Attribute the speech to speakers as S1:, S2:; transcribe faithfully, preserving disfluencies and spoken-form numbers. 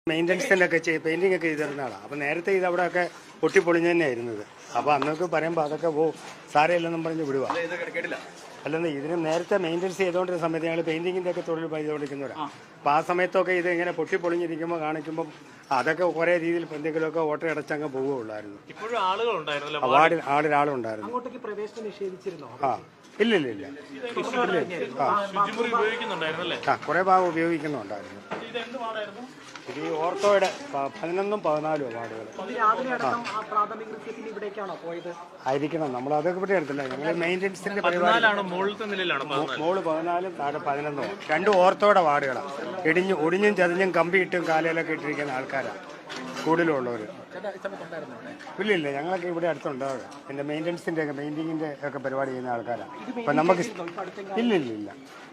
S1: മെയിൻ്റനൻസിൻ്റെ ഒക്കെ ചെയ്ത് പെയിൻറ്റിംഗ് ഒക്കെ ചെയ്തിരുന്ന ആളാണ്. അപ്പോൾ നേരത്തെ ഇത് അവിടെ ഒക്കെ പൊട്ടിപ്പൊളിഞ്ഞ് തന്നെയായിരുന്നത്. അപ്പോൾ അന്നൊക്കെ പറയുമ്പോൾ അതൊക്കെ ഓ സാരമില്ലെന്നും പറഞ്ഞ് വിടുക. അല്ലെന്ന് ഇതിന് നേരത്തെ മെയിൻ്റനൻസ് ചെയ്തുകൊണ്ടിരുന്ന സമയത്ത് ഞങ്ങൾ പെയിൻറ്റിങ്ങിൻ്റെ ഒക്കെ തൊഴിൽ ചെയ്തുകൊണ്ടിരിക്കുന്നവരാണ്. അപ്പോൾ ആ സമയത്തൊക്കെ ഇത് ഇങ്ങനെ പൊട്ടിപ്പൊളിഞ്ഞിരിക്കുമ്പോൾ കാണിക്കുമ്പം അതൊക്കെ കുറേ രീതിയിൽ എന്തെങ്കിലുമൊക്കെ ഓട്ട അടച്ചങ്ങ് പോവുകയുള്ളായിരുന്നു. വാർഡിൽ ആളിൽ ആളുണ്ടായിരുന്നു. ആ ഇല്ല ഇല്ല ഇല്ല ആ കുറേ ഭാഗം ഉപയോഗിക്കുന്നുണ്ടായിരുന്നു. ഇത് ഈ ഓർത്തോയുടെ പതിനൊന്നും പതിനാലും വാർഡുകൾ ആയിരിക്കണം. നമ്മൾ അതൊക്കെ ഇവിടെ എടുത്തില്ല. ഞങ്ങൾ മെയിൻ്റനൻസിന്റെ പരിപാടി മോള് പതിനാലും താഴെ പതിനൊന്നും രണ്ടും ഓർത്തോയുടെ വാർഡുകളാണ്. ഇടിഞ്ഞു ഒടിഞ്ഞും ചതഞ്ഞും കമ്പിയിട്ടും കാലയിലൊക്കെ ഇട്ടിരിക്കുന്ന ആൾക്കാരാണ് കൂടുതലുള്ളവർ. ഇല്ല ഇല്ല ഞങ്ങളൊക്കെ ഇവിടെ അടുത്തുണ്ടാവുക. പിന്നെ മെയിൻ്റനൻസിൻ്റെ ഒക്കെ പെയിൻറ്റിങ്ങിൻ്റെ ഒക്കെ പരിപാടി ചെയ്യുന്ന ആൾക്കാരാണ്. അപ്പം നമുക്ക് ഇല്ല ഇല്ല ഇല്ല